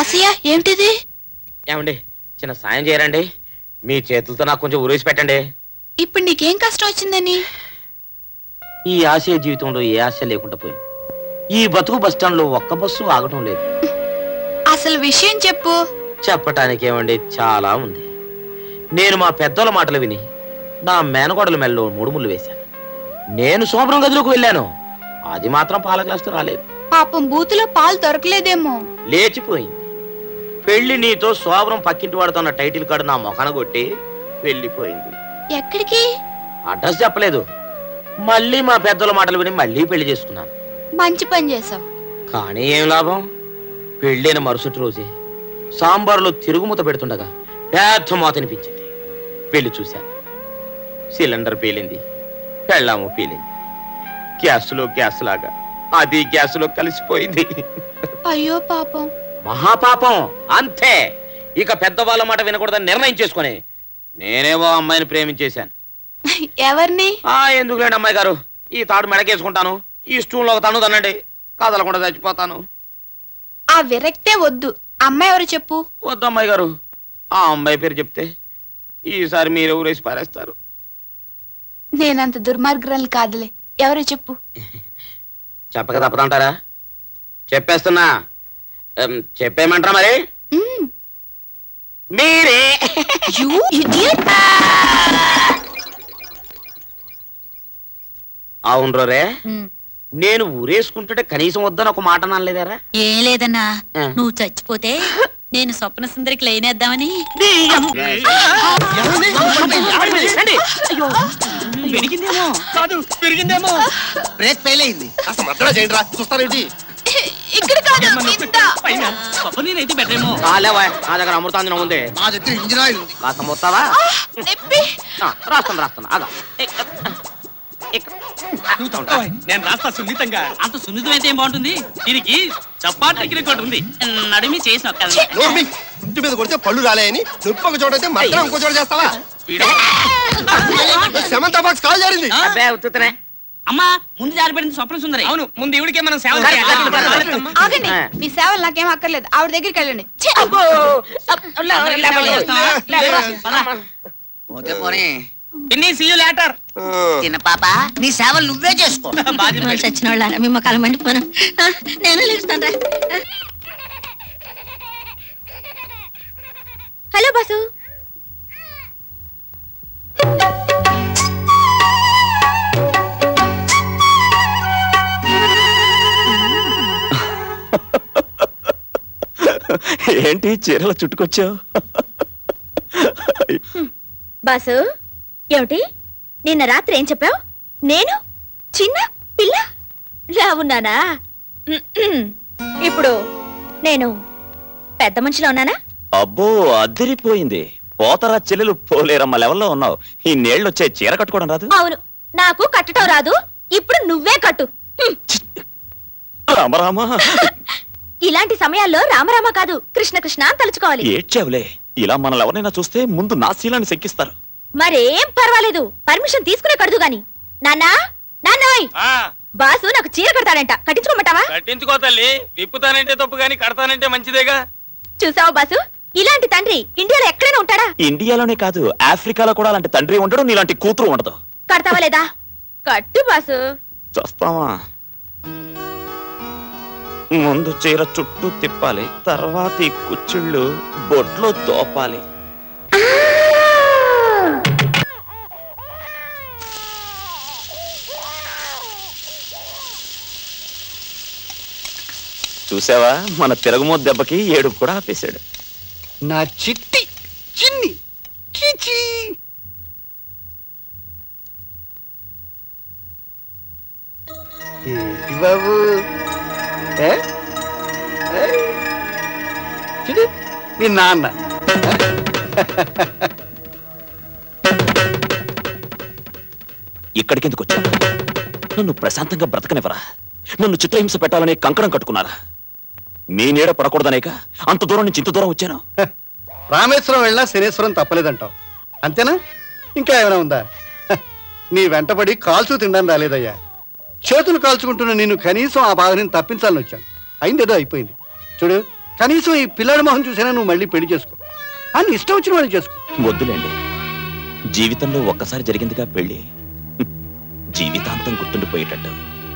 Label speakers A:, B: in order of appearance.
A: Asia ఏమిటిది?
B: ఏమండి చిన్న సాయం చేయరండి, మీ చేతులతో నాకు కొంచెం ఉరేసి పెట్టండి.
A: ఇప్పుడు నీకేం కష్టం వచ్చిందని?
B: ఈ ఆశయ జీవితంలో ఏ ఆశ లేకుండా పోయింది. ఈ బతుకు బస్టాండ్ లో ఒక్క బస్సు ఆగటం లేదు.
A: అసలు విషయం చెప్పు.
B: చెప్పటానికి ఏమండి చాలా ఉంది. నేను మా పెద్దల మాటలు విని నా మేనగోడల మెల్లో 3 ముళ్ళు వేశాను. నేను శోభనం గదిలోకి వెళ్ళాను, అది మాత్రం పాల గ్లాసుతో రాలేదు.
A: పాపం బూతులో పాలు దొరకలేదేమో.
B: లేచిపోయింది. పెళ్లి నీతో శోభనం పక్కింటి వాడుతున్న టైటిల్ కార్డు నా మొఖాన కొట్టి వెళ్ళిపోయింది.
A: ఎక్కడికి?
B: అడ్రస్ చెప్పలేదు. మళ్ళీ మా పెద్దల మాటలు విని మళ్ళీ పెళ్లి చేసుకున్నాను.
A: మంచి పని చేసావు.
B: కానీ ఏం లాభం? పెళ్ళైన మరుసటి రోజే సాంబార్లో తిరుగుమూత పెడుతుండగా పెద్ద మూత అనిపించింది. పెళ్లి చూశాను. సిలిండర్ పేలింది, పెళ్ళాము పేలింది. గ్యాస్లో గ్యాస్ లాగా అది గ్యాస్లో కలిసిపోయింది.
A: అయ్యో పాపం.
B: మహాపాపం అంతే. ఇక పెద్దవాళ్ళ మాట వినకూడదని నిర్ణయం చేసుకుని నేనేవో అమ్మాయిని ప్రేమించేశాను.
A: ఎవరిని?
B: ఎందుకులేండి అమ్మాయి గారు, ఈ తాడు మెడకేసుకుంటాను, ఈ స్టూల్లో ఒక తన్ను తనండి, కదలకుండా చచ్చిపోతాను.
A: ఆ విరక్తే వద్దు. అమ్మాయి ఎవరు చెప్పు.
B: వద్దు అమ్మాయి గారు, ఆ అమ్మాయి పేరు చెప్తే ఈసారి మీరు ఊరేసి పారేస్తారు.
A: నేనంత దుర్మార్గురాలు కాదులే. ఎవరు చెప్పు.
B: చెప్పక తప్పదంటారా? చెప్పేస్తున్నా. చెప్పేయమంటారా మరి? మీరే. అవును రే, నేను ఊరేసుకుంటుంటే కనీసం వద్దని ఒక మాట అనలేదారా?
C: ఏం లేదన్నా, నువ్వు చచ్చిపోతే నేను స్వప్న సుందరికి లైనేద్దామని.
D: బ్రేక్ ఫెయిల్ అయింది. అసలు మద్దతు చేయండి రా, చూస్తారేంటి?
A: ఇక్కడ కాదు,
B: నా దగ్గర అమృతాంజనం ఉంది.
D: నా దగ్గర ఇంజిన్ ఆయిల్ ఉంది.
B: కాస్త మొత్తావా? రాస్తాను ఆగా.
E: నేను రాస్తా సున్నితంగా. అంత సున్నితమైతే ఏం బాగుంటుంది? దీనికి చపాతీ రికార్డు ఉంది. నడిమి చేసిన
D: ఇంటి మీద కొడితే పళ్ళు రాలేని నొప్పి ఒక చోట అయితే మధ్యాహ్నం ఇంకో చోట చేస్తావా? సెమంత బాక్స్ కాల్ జారింది.
E: అమ్మా ముందు జారిపడింది స్వప్న సుందరి. అవును, ముందు ఇవిడికే మనం సేవ.
A: ఆగండి, మీ సేవలు నాకేం అక్కర్లేదు. ఆవిడ దగ్గరికి వెళ్ళండి.
F: ఓకే పోనీ.
C: చిన్న పాప, నీ సేవలు నువ్వే చేసుకో. చచ్చిన వాళ్ళ మీ మొక్కలు మండిపోను. నేను లేస్తాను.
A: Hello boss.
B: ఏంటి చీరలు చుట్టుకొచ్చావు?
A: బాసు ఏమిటి నిన్న రాత్రి ఏం చెప్పావు? నేను చిన్న పిల్ల రావున్నానా? ఇప్పుడు నేను పెద్ద మనిషిలో ఉన్నానా?
G: అబ్బో అదిరిపోయింది. పోతరా చెల్లెలు పోలేరమ్మ లెవెల్లో ఉన్నావు. ఈ నీళ్ళు వచ్చే చీర కట్టుకోవడం రాదు?
A: అవును, నాకు కట్టడం రాదు. ఇప్పుడు నువ్వే కట్టు.
G: రామరామా.
A: ఇలాంటి సమయాల్లో రామరామ కాదు, కృష్ణ కృష్ణ అని తలుచుకోవాలి.
G: ఏడ్చావులే, ఇలా మనల్ని ఎవరైనా చూస్తే ముందు నా శీలాన్ని శంకిస్తారు.
A: మరేం పర్వాలేదు, పర్మిషన్ తీసుకునే కడదు గాని. నాన్నా నాన్నోయ్, బాసు నాకు చీర కడతాడంట, కట్టించుకోమంటావా?
E: కట్టించుకో తల్లి. విప్పుతానంటే తప్పు గాని కడతానంటే మంచిదేగా.
A: చూసావు బాసు, ఇలాంటి తండ్రి ఇండియాలో ఎక్కడైనా ఉంటాడా?
G: ఇండియాలోనే కాదు, ఆఫ్రికాలో కూడా అలాంటి తండ్రి ఉండడు, నీలాంటి కూతురు ఉండదు.
A: కడతావా లేదా? కట్టు బాసు.
G: చూస్తావా? ముందు చీర చుట్టూ తిప్పాలి, తర్వాత ఈ కుచ్చిళ్ళు బొట్లో తోపాలి. చూసావా, మన తిరగమో దెబ్బకి ఏడుపు కూడా ఆపేశాడు.
D: నా చిట్టి చిన్ని చిచి. ఏంటి బాబు చిడి మీ నాన్న.
G: ఇక్కడికెందుకు వచ్చాను? నన్ను ప్రశాంతంగా బ్రతకనివ్వరా? నన్ను చిత్రహింస పెట్టాలనే కంకణం కట్టుకున్నారా? మీ నీడ పడకూడదనేక అంత దూరం నుంచి ఇంత దూరం వచ్చాను.
D: రామేశ్వరం వెళ్ళినా శనేశ్వరం తప్పలేదంటావు, అంతేనా? ఇంకా ఏమైనా ఉందా? నీ వెంటబడి కాల్చు తినడం రాలేదయ్యా. చేతులు కాల్చుకుంటున్న నిన్ను కనీసం ఆ బాధని తప్పించాలని వచ్చాను. అయిందేదో అయిపోయింది. చూడు, కనీసం ఈ పిల్లాడి మొహం చూసినా నువ్వు మళ్ళీ పెళ్లి చేసుకో అని ఇష్టం వచ్చిన వాళ్ళు చేసుకో.
G: వద్దులేండి, జీవితంలో ఒక్కసారి జరిగిందిగా పెళ్లి, జీవితాంతం గుర్తుండిపోయేటట్టు